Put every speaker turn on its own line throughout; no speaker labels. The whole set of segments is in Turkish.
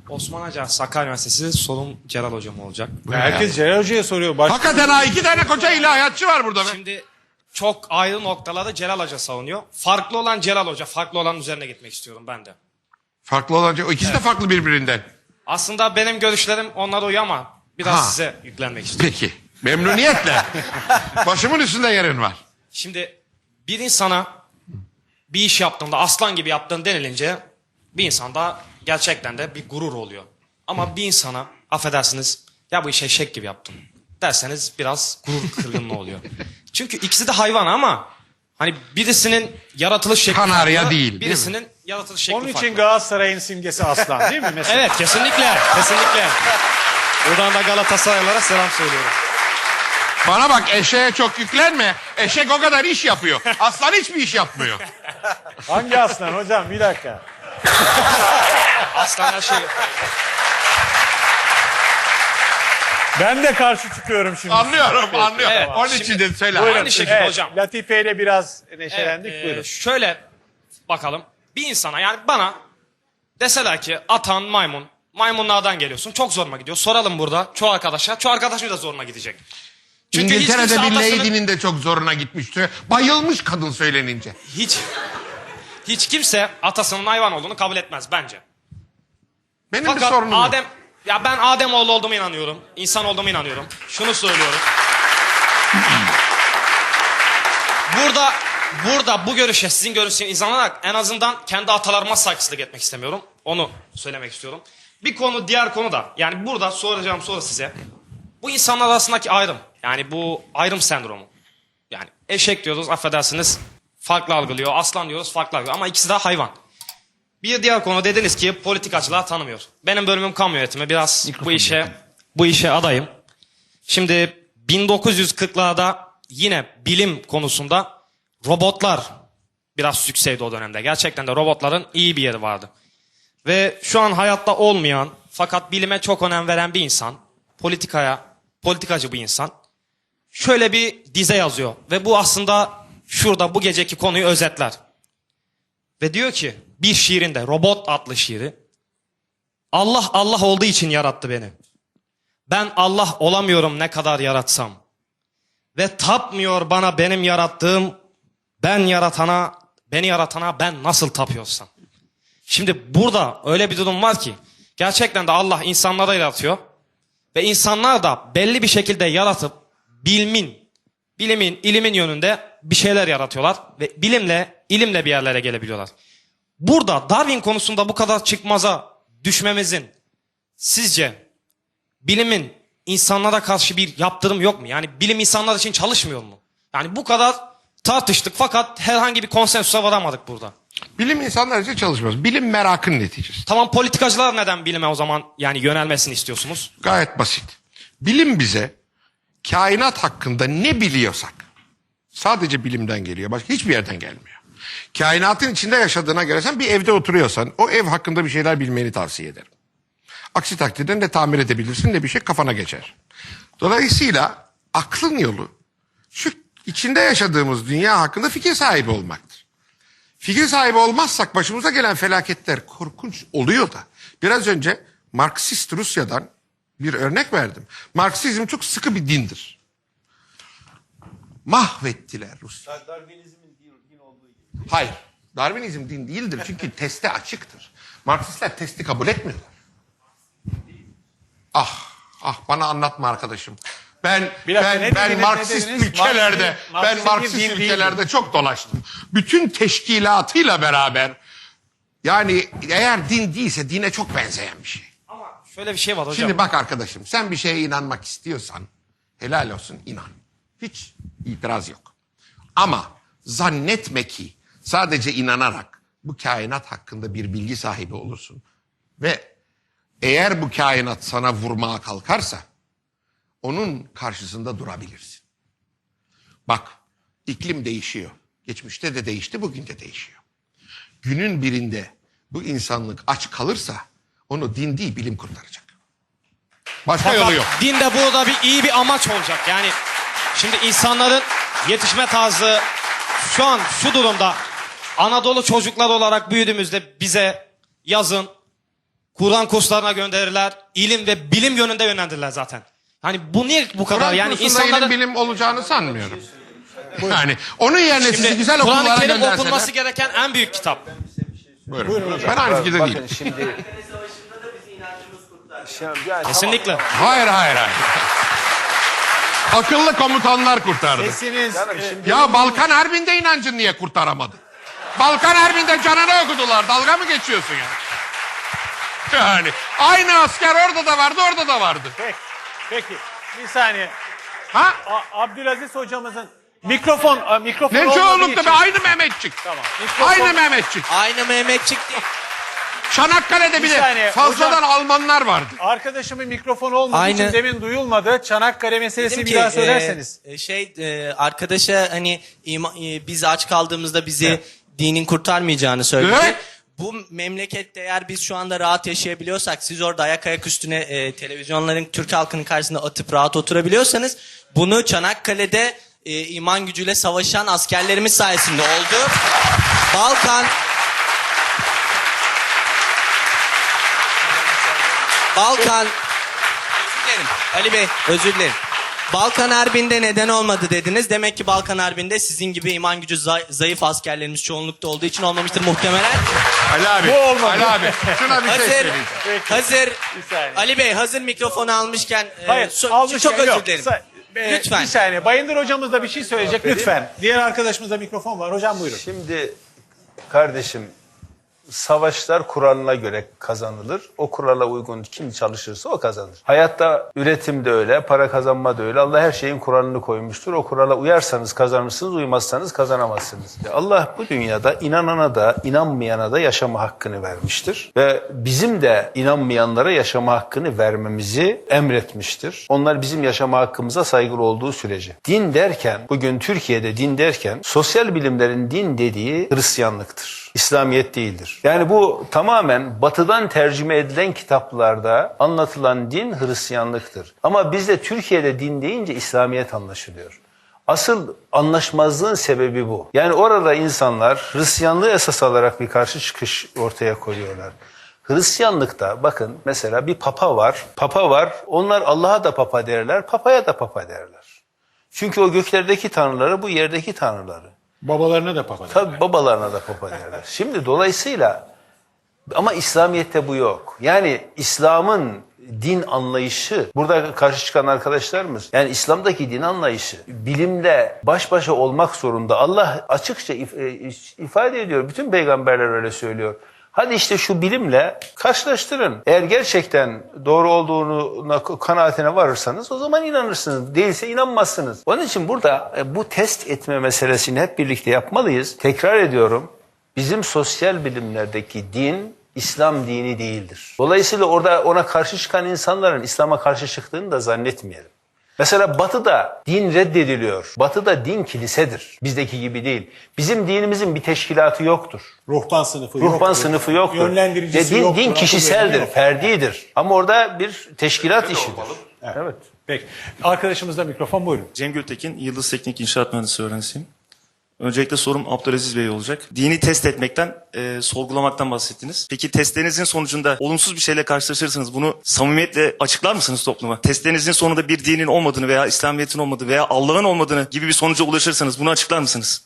Osman Acar, Sakarya Üniversitesi, sorum Celal Hocam olacak.
Herkes Celal Hoca'ya soruyor.
Hakikaten ha, 2 tane koca ilahiyatçı var burada be.
Şimdi çok ayrı noktalarda Celal Hoca savunuyor. Farklı olan Celal Hoca, farklı olanın üzerine gitmek istiyorum ben de.
Farklı olan o ikisi de farklı birbirinden.
Aslında benim görüşlerim onlara uyuyor ama biraz size yüklenmek istiyorum.
Peki. Memnuniyetle. Başımın üstünde yerin var.
Şimdi bir insana bir iş yaptığında aslan gibi yaptığın denilince bir insanda gerçekten de bir gurur oluyor. Ama bir insana affedersiniz ya bu işi eşek gibi yaptım derseniz biraz gurur kırgınlığı oluyor. Çünkü ikisi de hayvan ama hani birisinin yaratılış şekli
Kanarya
farklı,
değil
birisinin yaratılış şekli
Onun için
farklı.
Galatasaray'ın simgesi aslan değil mi mesela?
Evet kesinlikle kesinlikle. Buradan da Galatasaraylılara selam söylüyorum.
Bana bak, eşeğe çok yüklenme. Eşek o kadar iş yapıyor. Aslan hiçbir iş yapmıyor.
Hangi aslan hocam? Bir dakika.
Aslan her şey.
Ben de karşı çıkıyorum şimdi.
Anlıyorum.
Evet,
Onun
şimdi-
için de söyle.
Buyurun. Aynı şekilde hocam.
Latife ile biraz neşelendik.
Evet,
Buyurun.
şöyle bakalım. Bir insana yani bana deseler ki atan maymun. Maymunlardan geliyorsun. Çok zoruma gidiyor. Soralım burada çoğu arkadaşa. Çoğu arkadaşım da zoruna gidecek. Çünkü hiç
İngiltere'de
kimse
bir
atasının-
lady'nin de çok zoruna gitmişti. Bayılmış kadın söylenince.
Hiç kimse atasının hayvan olduğunu kabul etmez bence.
Benim bir
Fakat
sorunum yok.
ben Ademoğlu olduğuma inanıyorum. İnsan olduğuma inanıyorum. Şunu söylüyorum. Burada bu görüşe, sizin görüşünüze inanarak en azından kendi atalarıma saygısızlık etmek istemiyorum. Onu söylemek istiyorum. Bir konu, diğer konu da yani burada soracağım soru size. Bu insanlar arasındaki ayrım. Yani bu ayrım sendromu. Yani eşek diyoruz, affedersiniz, farklı algılıyor. Aslan diyoruz, farklı algılıyor. Ama ikisi de hayvan. Bir diğer konu dediniz ki politikacılar tanımıyor. Benim bölümüm kamu yönetimi. Biraz bu işe adayım. Şimdi 1940'larda yine bilim konusunda robotlar biraz yükseldi o dönemde. Gerçekten de robotların iyi bir yeri vardı. Ve şu an hayatta olmayan fakat bilime çok önem veren bir insan, politikacı bir insan şöyle bir dize yazıyor. Ve bu aslında şurada bu geceki konuyu özetler. Ve diyor ki bir şiirinde, Robot adlı şiiri, Allah Allah olduğu için yarattı beni. Ben Allah olamıyorum ne kadar yaratsam. Ve tapmıyor bana benim yarattığım, beni yaratana ben nasıl tapıyorsam. Şimdi burada öyle bir durum var ki gerçekten de Allah insanları yaratıyor. Ve insanlar da belli bir şekilde yaratıp ilimin yönünde bir şeyler yaratıyorlar. Ve ilimle bir yerlere gelebiliyorlar. Burada Darwin konusunda bu kadar çıkmaza düşmemizin sizce bilimin insanlara karşı bir yaptırım yok mu? Yani bilim insanlar için çalışmıyor mu? Yani bu kadar tartıştık fakat herhangi bir konsensusa varamadık burada.
Bilim insanlar için çalışmaz. Bilim merakın neticesi.
Tamam, politikacılar neden bilime o zaman yani yönelmesini istiyorsunuz?
Gayet basit. Bilim bize kainat hakkında ne biliyorsak sadece bilimden geliyor. Başka hiçbir yerden gelmiyor. Kainatın içinde yaşadığına göre sen bir evde oturuyorsan o ev hakkında bir şeyler bilmeni tavsiye ederim. Aksi takdirde ne tamir edebilirsin ne bir şey kafana geçer. Dolayısıyla aklın yolu şu içinde yaşadığımız dünya hakkında fikir sahibi olmaktır. Fikir sahibi olmazsak başımıza gelen felaketler korkunç oluyor da. Biraz önce Marksist Rusya'dan bir örnek verdim. Marksizm çok sıkı bir dindir. Mahvettiler Rusya.
Darwinizmin din olduğu gibi.
Hayır. Darwinizm din değildir çünkü teste açıktır. Marksistler testi kabul etmiyorlar. Bana anlatma arkadaşım. Ben Marksist ülkelerde çok dolaştım. Bütün teşkilatıyla beraber yani eğer din değilse dine çok benzeyen bir şey.
Ama şöyle bir şey var hocam.
Şimdi bak arkadaşım, sen bir şeye inanmak istiyorsan helal olsun, inan. Hiç itiraz yok. Ama zannetme ki sadece inanarak bu kainat hakkında bir bilgi sahibi olursun. Ve eğer bu kainat sana vurmaya kalkarsa onun karşısında durabilirsin. Bak, iklim değişiyor. Geçmişte de değişti, bugün de değişiyor. Günün birinde bu insanlık aç kalırsa onu din değil bilim kurtaracak. Başka yolu yok.
Dinde burada iyi bir amaç olacak. Yani şimdi insanların yetişme tarzı şu an şu durumda Anadolu çocuklar olarak büyüdüğümüzde bize yazın Kur'an kurslarına gönderirler. İlim ve bilim yönünde yönlendirirler zaten. Hani bu niye bu kadar?
Kur'an
Yani
kursunda
insanları...
ilim bilim olacağını sanmıyorum. Yani onun yerine sizi
Şimdi
güzel
Kur'an-ı
okullara
Kerim
gönderseler.
okunması gereken en büyük kitap.
Buyurun. Ben aynı fikirde değilim.
Bakın şimdi... Yani
Kesinlikle.
Hayır. Akıllı komutanlar kurtardı.
Sesiniz...
Ya Balkan Harbi'nde inancın niye kurtaramadı? Balkan Harbi'nde canını okudular. Dalga mı geçiyorsun ya? Yani aynı asker orada da vardı, orada da vardı.
Peki. Bir saniye.
Ha?
Abdülaziz hocamızın mikrofon
Ne
olmadığı
çoğunlukta
için...
be aynı Mehmetçik.
Tamam.
Aynı Mehmetçik.
Aynı Mehmetçik değil.
Çanakkale'de
Bir
bile
saniye,
fazladan Almanlar vardı.
Arkadaşımın mikrofonu olmadığı için
Aynı.
demin duyulmadı. Çanakkale meselesi
Dedim
bir
ki,
daha söylerseniz.
Arkadaşa hani biz aç kaldığımızda bizi dinin kurtarmayacağını söyledi.
Evet.
Bu memlekette eğer biz şu anda rahat yaşayabiliyorsak, siz orada ayak üstüne televizyonların Türk halkının karşısında atıp rahat oturabiliyorsanız, bunu Çanakkale'de iman gücüyle savaşan askerlerimiz sayesinde oldu. Balkan özür dilerim Ali Bey, özür dilerim. Balkan Harbi'nde neden olmadı dediniz. Demek ki Balkan Harbi'nde sizin gibi iman gücü zayıf askerlerimiz çoğunlukta olduğu için olmamıştır muhtemelen.
Ali abi.
Bu olmadı.
Ali abi. Şuna bir şey söyleyeyim.
Hazır
Bir saniye.
Ali Bey hazır mikrofonu almışken
Hayır,
çok
almışken
özür
yok.
dilerim.
Lütfen. Bir saniye. Bayındır hocamız da bir şey söyleyecek. Lütfen. Diğer arkadaşımızda mikrofon var. Hocam buyurun.
Şimdi kardeşim, savaşlar kuralına göre kazanılır. O kurala uygun kim çalışırsa o kazanır. Hayatta üretim de öyle, para kazanma da öyle. Allah her şeyin kuralını koymuştur. O kurala uyarsanız kazanırsınız, uymazsanız kazanamazsınız. Allah bu dünyada inanana da inanmayana da yaşama hakkını vermiştir. Ve bizim de inanmayanlara yaşama hakkını vermemizi emretmiştir. Onlar bizim yaşama hakkımıza saygılı olduğu sürece. Din derken, bugün Türkiye'de din derken sosyal bilimlerin din dediği Hristiyanlıktır. İslamiyet değildir. Yani bu tamamen batıdan tercüme edilen kitaplarda anlatılan din Hristiyanlıktır. Ama bizde Türkiye'de din deyince İslamiyet anlaşılıyor. Asıl anlaşmazlığın sebebi bu. Yani orada insanlar Hristiyanlığı esas alarak bir karşı çıkış ortaya koyuyorlar. Hristiyanlıkta bakın mesela bir papa var. Papa var. Onlar Allah'a da papa derler, papaya da papa derler. Çünkü o göklerdeki tanrıları bu yerdeki tanrıları.
Babalarına da papa.
Tabii babalarına da papa derler. Şimdi dolayısıyla ama İslamiyet'te bu yok. Yani İslam'ın din anlayışı, burada karşı çıkan arkadaşlarımız, yani İslam'daki din anlayışı bilimle baş başa olmak zorunda. Allah açıkça ifade ediyor. Bütün peygamberler öyle söylüyor. Hadi işte şu bilimle karşılaştırın. Eğer gerçekten doğru olduğuna kanaatine varırsanız o zaman inanırsınız. Değilse inanmazsınız. Onun için burada bu test etme meselesini hep birlikte yapmalıyız. Tekrar ediyorum. Bizim sosyal bilimlerdeki din İslam dini değildir. Dolayısıyla orada ona karşı çıkan insanların İslam'a karşı çıktığını da zannetmeyelim. Mesela Batı'da din reddediliyor. Batı'da din kilisedir. Bizdeki gibi değil. Bizim dinimizin bir teşkilatı yoktur.
Ruhban sınıfı yoktur.
Ruhban sınıfı yoktur.
Yönlendiricisi
din,
yoktur.
din kişiseldir,
Yok.
ferdidir. Ama orada bir teşkilat işidir. Evet.
Peki. Arkadaşımızda mikrofon buyurun.
Cem Gültekin, Yıldız Teknik İnşaat Mühendisi öğrencisiyim. Öncelikle sorum Abdülaziz Bey olacak. Dini test etmekten, sorgulamaktan bahsettiniz. Peki testlerinizin sonucunda olumsuz bir şeyle karşılaşırsanız bunu samimiyetle açıklar mısınız topluma? Testlerinizin sonunda bir dinin olmadığını veya İslamiyet'in olmadığı veya Allah'ın olmadığını gibi bir sonuca ulaşırsanız bunu açıklar mısınız?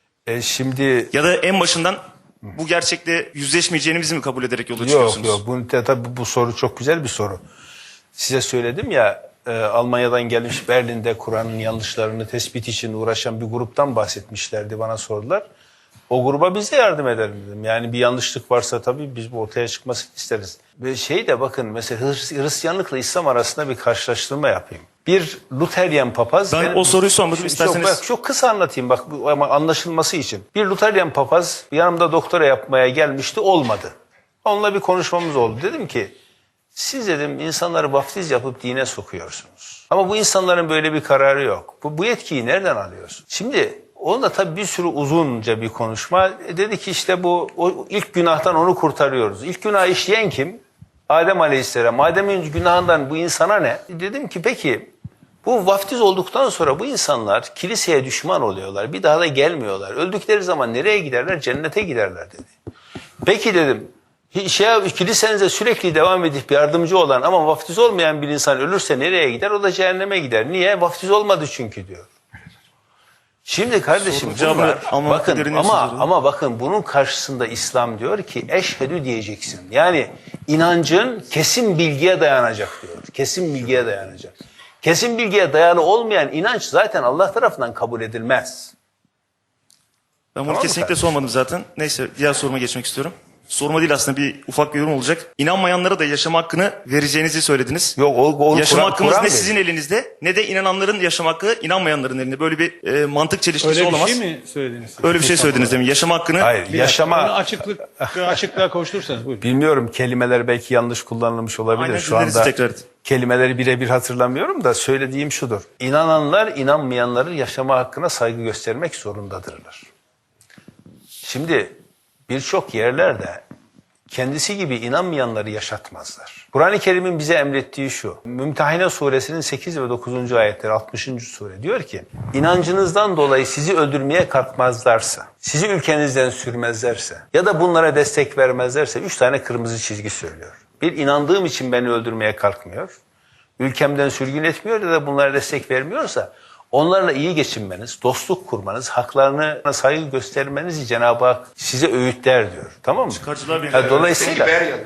Şimdi
Ya da en başından bu gerçekle yüzleşmeyeceğinizi mi kabul ederek yola çıkıyorsunuz?
yok. Tabii bu soru çok güzel bir soru. Size söyledim ya, Almanya'dan gelmiş Berlin'de Kur'an'ın yanlışlarını tespit için uğraşan bir gruptan bahsetmişlerdi, bana sordular. O gruba biz de yardım edelim dedim. Yani bir yanlışlık varsa tabii biz bu ortaya çıkmasını isteriz. Ve bakın mesela Hristiyanlıkla İslam arasında bir karşılaştırma yapayım. Bir Luteryan papaz...
Ben o soruyu sormadım, isterseniz...
Çok kısa anlatayım ama anlaşılması için. Bir Luteryan papaz yanımda doktora yapmaya gelmişti, olmadı. Onunla bir konuşmamız oldu. Dedim ki, siz dedim insanları vaftiz yapıp dine sokuyorsunuz. Ama bu insanların böyle bir kararı yok. Bu yetkiyi nereden alıyorsun? Şimdi onunla tabii bir sürü uzunca bir konuşma. Dedi ki işte o ilk günahtan onu kurtarıyoruz. İlk günah işleyen kim? Adem Aleyhisselam. Adem'in günahından bu insana ne? Dedim ki peki bu vaftiz olduktan sonra bu insanlar kiliseye düşman oluyorlar. Bir daha da gelmiyorlar. Öldükleri zaman nereye giderler? Cennete giderler dedi. Peki dedim. Kilisenize sürekli devam edip yardımcı olan ama vaftiz olmayan bir insan ölürse nereye gider? O da cehenneme gider. Niye? Vaftiz olmadı çünkü diyor. Şimdi kardeşim
Sorunun cevabını
bunlar,
almamak
bakın
gereğini
ama
söylüyorum.
bakın bunun karşısında İslam diyor ki eşhedü diyeceksin. Yani inancın kesin bilgiye dayanacak diyor. Kesin bilgiye dayanacak. Kesin bilgiye dayalı olmayan inanç zaten Allah tarafından kabul edilmez.
Ben bunu
Tamam mı
kesinlikle
kardeşim?
sormadım zaten. Neyse diğer soruma geçmek istiyorum. Sorma değil aslında bir ufak bir yorum olacak. İnanmayanlara da yaşam hakkını vereceğinizi söylediniz.
Yok o
Yaşam hakkımız ne
veriyor.
sizin elinizde ne de inananların yaşam hakkı inanmayanların elinde. Böyle bir mantık çelişkisi
Öyle bir
olamaz.
şey mi söylediniz?
Öyle bir şey söylediniz demin. Yaşam hakkını
Hayır,
Bunu
yaşama
açıklığa kavuşturursanız buyurun.
bilmiyorum, kelimeler belki yanlış kullanılmış olabilir.
Aynen,
Şu
dinleriz
anda
tekrar.
kelimeleri birebir hatırlamıyorum da söylediğim şudur. İnananlar inanmayanların yaşama hakkına saygı göstermek zorundadırlar. Şimdi birçok yerlerde kendisi gibi inanmayanları yaşatmazlar. Kur'an-ı Kerim'in bize emrettiği şu. Mümtehine suresinin 8 ve 9. ayetleri 60. sure diyor ki inancınızdan dolayı sizi öldürmeye kalkmazlarsa, sizi ülkenizden sürmezlerse ya da bunlara destek vermezlerse 3 tane kırmızı çizgi söylüyor. Bir, inandığım için beni öldürmeye kalkmıyor. Ülkemden sürgün etmiyor ya da bunlara destek vermiyorsa onlarla iyi geçinmeniz, dostluk kurmanız, haklarına saygı göstermenizi Cenab-ı Hak size öğütler diyor. Tamam mı?
Çıkarcılar Birliği.
Dolayısıyla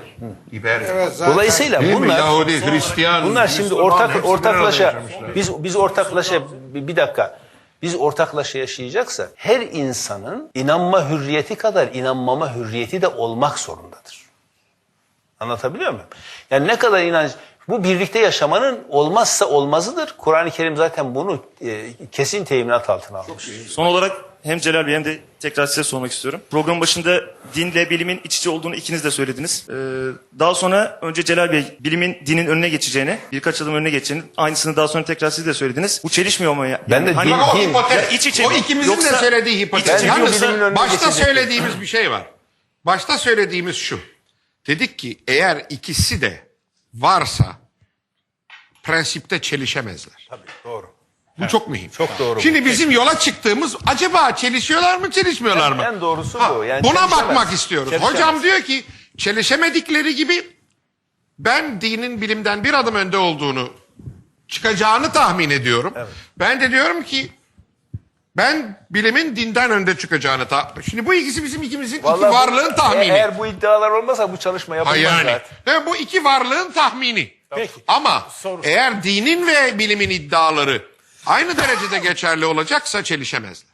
Dolayısıyla
Değil mi?
bunlar
Yahudi, Hristiyan,
bunlar şimdi
Müslüman, hepsi bir
ortaklaşa
arada yaşamışlar.
biz ortaklaşa bir dakika. Biz ortaklaşa yaşayacaksa her insanın inanma hürriyeti kadar inanmama hürriyeti de olmak zorundadır. Anlatabiliyor muyum? Yani ne kadar inanç bu birlikte yaşamanın olmazsa olmazıdır. Kur'an-ı Kerim zaten bunu kesin teminat altına almış.
Son olarak hem Celal Bey hem de tekrar size sormak istiyorum. Programın başında dinle bilimin iç içe olduğunu ikiniz de söylediniz. Daha sonra önce Celal Bey bilimin dinin önüne geçeceğini, birkaç adım önüne geçeceğini, aynısını daha sonra tekrar siz de söylediniz. Bu çelişmiyor mu ya?
Ben de
hani,
din-
Ama o
Din-
hipotet,
Ya iç içe
o
mi?
ikimizin de
Yoksa-
söylediği
İç
hipotet.
içe mi
Yalnız
bilimin önüne
başta
geçecek.
söylediğimiz bir şey var. Başta söylediğimiz şu. Dedik ki eğer ikisi de varsa prensipte çelişemezler.
Tabii doğru.
Bu çok mühim.
Çok doğru bu.
Şimdi bizim yola çıktığımız acaba çelişiyorlar mı çelişmiyorlar mı?
En doğrusu bu. Yani
buna
çelişemez.
bakmak istiyoruz.
Çelişemez.
Hocam diyor ki çelişemedikleri gibi ben dinin bilimden bir adım önde olduğunu çıkacağını tahmin ediyorum. Ben de diyorum ki ben bilimin dinden önde çıkacağını Şimdi bu ikisi bizim ikimizin iki
Vallahi
varlığın tahmini.
Eğer bu iddialar olmasa bu çalışma yapılmaz
Yani.
zaten.
Ve bu iki varlığın tahmini.
Peki.
Ama eğer dinin ve bilimin iddiaları aynı derecede geçerli olacaksa çelişemezler.